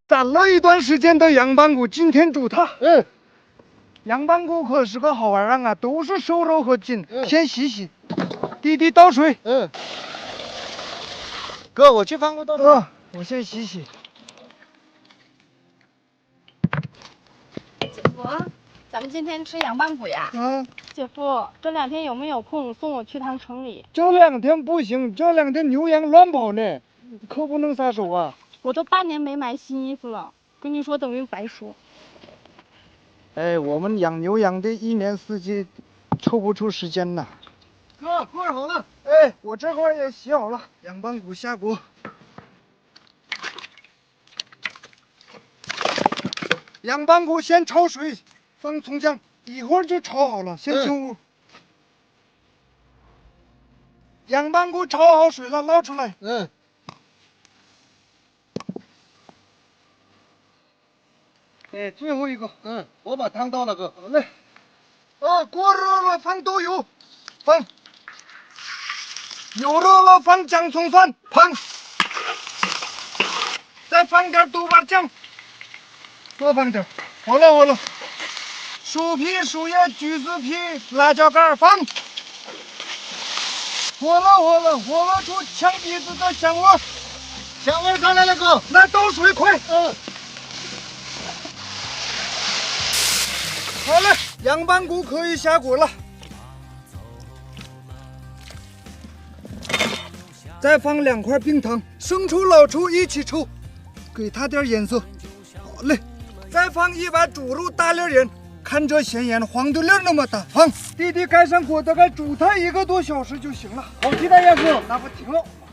攒了一段时间的羊板骨，今天煮它。 嗯， 羊板骨可是个好玩意儿啊，都是瘦肉和筋。 嗯先洗洗，弟弟倒水。 嗯，哥，我去放个倒水。 我先洗洗。 姐夫，咱们今天吃羊板骨呀？姐夫，这2天有没有空送我去趟城里？ 这2天不行，这2天牛羊乱跑呢，可不能撒手啊。 我都8年没买新衣服了，跟你说等于白说。 哎，我们养牛羊的1年4季抽不出时间呐。 哥，锅好了。 哎，我这块也洗好了，羊板骨下锅。羊板骨先焯水，放葱姜，一会儿就炒好了，先进屋。羊板骨焯好水了，捞出来。哎，最后一个。 我把汤倒了，哥。 好嘞。锅热了，放豆油，放。油热了，放姜葱蒜，放。再放点豆瓣酱，多放点。好了。薯皮、树叶、橘子皮、辣椒干放。火了出呛鼻子的香味。 香味上来了，哥。 来倒水，快。好了，羊板骨可以下锅了。再放2块冰糖，生抽、老抽一起抽，给它点颜色。好嘞，再放1碗猪肉大粒盐，看这咸盐黄豆粒那么大，放。弟弟盖上锅，大概煮它1个多小时就行了。 好期待呀，哥。 那不挺好。